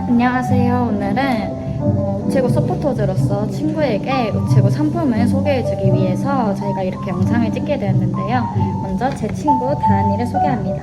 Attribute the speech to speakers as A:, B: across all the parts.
A: 안녕하세요. 오늘은 우체국 서포터즈로서 친구에게 우체국 상품을 소개해주기 위해서 저희가 이렇게 영상을 찍게 되었는데요. 먼저 제 친구 다은이를 소개합니다.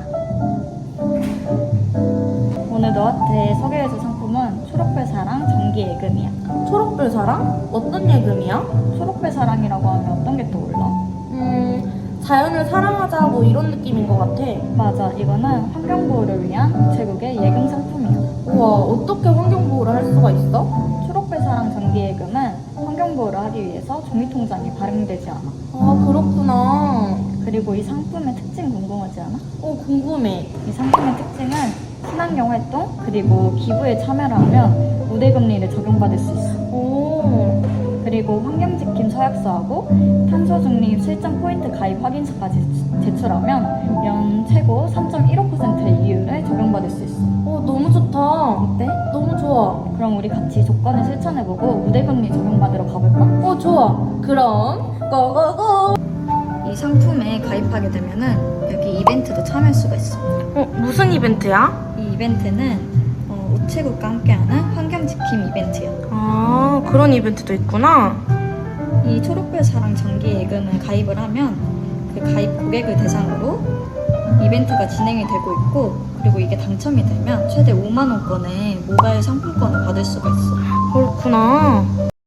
A: 오늘 너한테 소개해줄 상품은 초록별 사랑 정기 예금이야.
B: 초록별 사랑? 어떤 예금이야?
A: 초록별 사랑이라고 하면 어떤 게 떠올라?
B: 자연을 사랑하자 뭐 이런 느낌인 것 같아.
A: 맞아. 이거는 환경보호를 위한 우체국의 예금 상품이야.
B: 우와, 어떻게 환경보호를 할 수가 있어?
A: 초록별 사랑 정기 예금은 환경보호를 하기 위해서 종이통장이 발행되지 않아.
B: 아, 그렇구나.
A: 그리고 이 상품의 특징 궁금하지 않아?
B: 궁금해.
A: 이 상품의 특징은 친환경 활동 그리고 기부에 참여를 하면 우대금리를 적용받을 수 있어.
B: 오,
A: 그리고 환경지킴 서약서하고 탄소중립 실전 포인트 가입 확인서까지 제출하면 연 최고 3.15%의 이율을 적용받을 수 있어.
B: 너무 좋다.
A: 어때?
B: 너무 좋아.
A: 그럼 우리 같이 조건을 실천해보고 우대금리 적용받으러 가볼까?
B: 좋아. 그럼 고고고.
A: 이 상품에 가입하게 되면은 여기 이벤트도 참여할 수가 있어.
B: 무슨 이벤트야?
A: 이 이벤트는 우체국과 함께하는 환경지킴 이벤트야.
B: 아, 그런 이벤트도 있구나.
A: 이 초록별 사랑 정기 예금을 가입을 하면 그 가입 고객을 대상으로 이벤트가 진행이 되고 있고, 그리고 이게 당첨이 되면 최대 5만 원권의 모바일 상품권을 받을 수가 있어.
B: 그렇구나.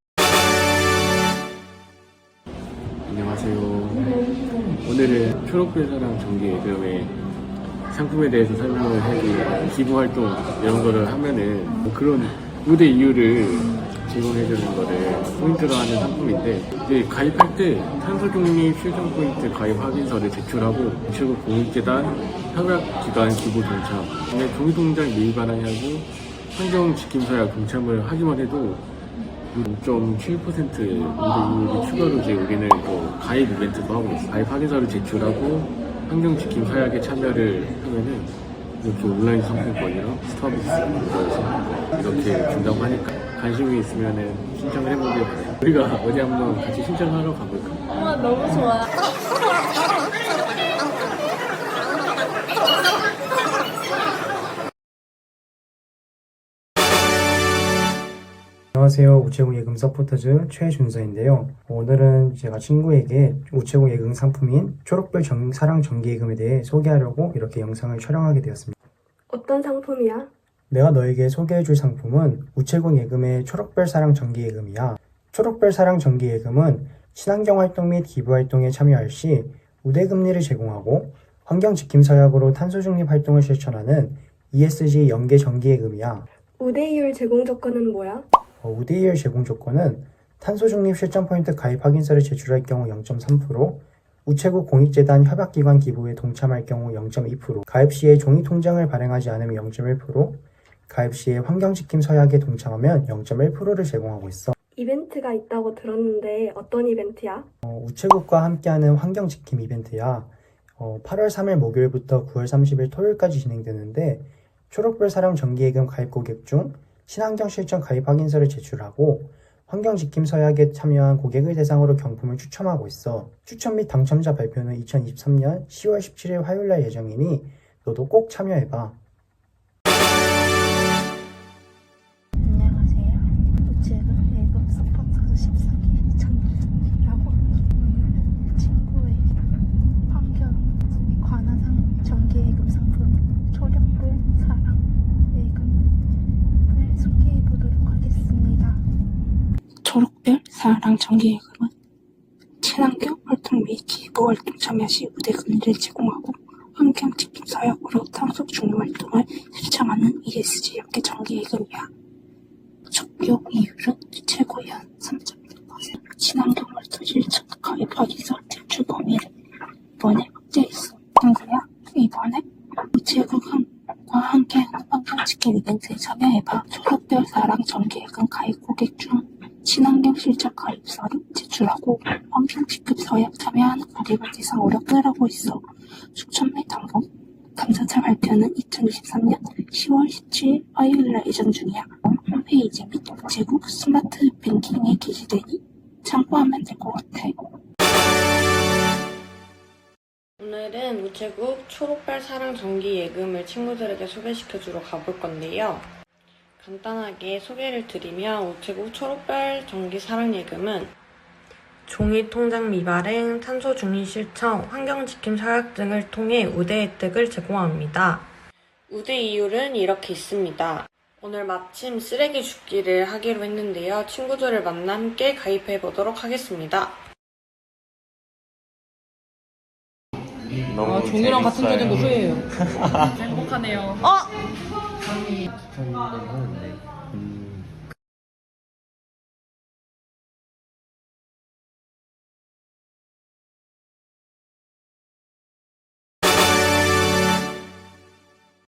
C: 안녕하세요. 오늘은 초록별 사랑 정기 예금의 상품에 대해서 설명을 해드리고, 기부 활동 이런 거를 하면은 그런 우대 이유를 제공해주는 거를 포인트로 하는 상품인데, 이제 가입할 때 탄소중립 실전 포인트 가입 확인서를 제출하고 우체국 공익재단 협약기관 기부 동참, 근데 종이통장 미입 반환하고 환경지킴서약 동참을 하기만 해도 0.7% 우대이율이 추가로 이제 우리는 또 가입 이벤트도 하고 있어요. 가입 확인서를 제출하고 환경지킴 서약에 참여를 하면은 이렇게 온라인 상품권이랑 스타벅스 이렇게 준다고 하니까 관심이 있으면은 신청을 해보길 바래요. 우리가 어디 한번 같이 신청하러 가볼까?
B: 너무 좋아.
D: 안녕하세요. 우체국 예금 서포터즈 최준서인데요. 오늘은 제가 친구에게 우체국 예금 상품인 초록별 사랑 정기예금에 대해 소개하려고 이렇게 영상을 촬영하게 되었습니다.
E: 어떤 상품이야?
D: 내가 너에게 소개해줄 상품은 우체국 예금의 초록별 사랑 정기예금이야. 초록별 사랑 정기예금은 친환경 활동 및 기부 활동에 참여할 시 우대금리를 제공하고 환경지킴 서약으로 탄소중립 활동을 실천하는 ESG 연계 정기예금이야.
E: 우대이율 제공 조건은 뭐야?
D: 우대이율 제공 조건은 탄소중립 실전 포인트 가입 확인서를 제출할 경우 0.3%, 우체국 공익재단 협약기관 기부에 동참할 경우 0.2%, 가입 시에 종이통장을 발행하지 않으면 0.1%, 가입 시에 환경지킴 서약에 동참하면 0.1%를 제공하고 있어.
E: 이벤트가 있다고 들었는데 어떤 이벤트야?
D: 우체국과 함께하는 환경지킴 이벤트야. 8월 3일 목요일부터 9월 30일 토요일까지 진행되는데, 초록별 사랑 정기예금 가입 고객 중 친환경 실전 가입 확인서를 제출하고 환경지킴 서약에 참여한 고객을 대상으로 경품을 추첨하고 있어. 추첨 및 당첨자 발표는 2023년 10월 17일 화요일날 예정이니 너도 꼭 참여해봐.
F: 안녕하세요. 우체국 예금 서포터즈 14기 정기라고 오늘 친구의 환경에 관한 정기예금 상품 초록별 사랑 예금을 소개해 보도록 하겠습니다. 초록별 사랑 정기예금은 친환경 활동 및 기부 활동 참여 시 우대금리를 제공하고 환경지킴 서약으로 탄소 중립 활동을 실천하는 ESG 연계 정기예금이야. 적용 이율은 최고 연 3.1%. 친환경 활동 실천 가입 확인서 제출 범위를 이번에 확대했어. 친구야, 이번에 우체국과 함께하는 환경지킴 이벤트에 참여해봐. 초록별 사랑 정기예금 가입 고객 중 친환경 실천 가입서를 제출하고 환경지킴 서약 참여하는 고객을 대상으로 끌어오고 있어. 추천 및 당첨자 발표는 2023년 10월 17일 화요일날 예정 중이야. 홈페이지 및 우체국 스마트 뱅킹에 게시되니 참고하면 될 것 같아.
B: 오늘은 우체국 초록별 사랑 정기 예금을 친구들에게 소개시켜주러 가볼 건데요.
G: 간단하게 소개를 드리면 우체국 초록별 정기 사랑예금은 종이통장 미발행, 탄소 중립 실천, 환경지킴 서약 등을 통해 우대 혜택을 제공합니다. 우대 이율은 이렇게 있습니다. 오늘 마침 쓰레기 줍기를 하기로 했는데요. 친구들을 만나 함께 가입해 보도록 하겠습니다.
C: 너무
B: 종이랑 같은
C: 재밌어요.
B: 쪽인 거 후회해요.
C: 기타를 하는데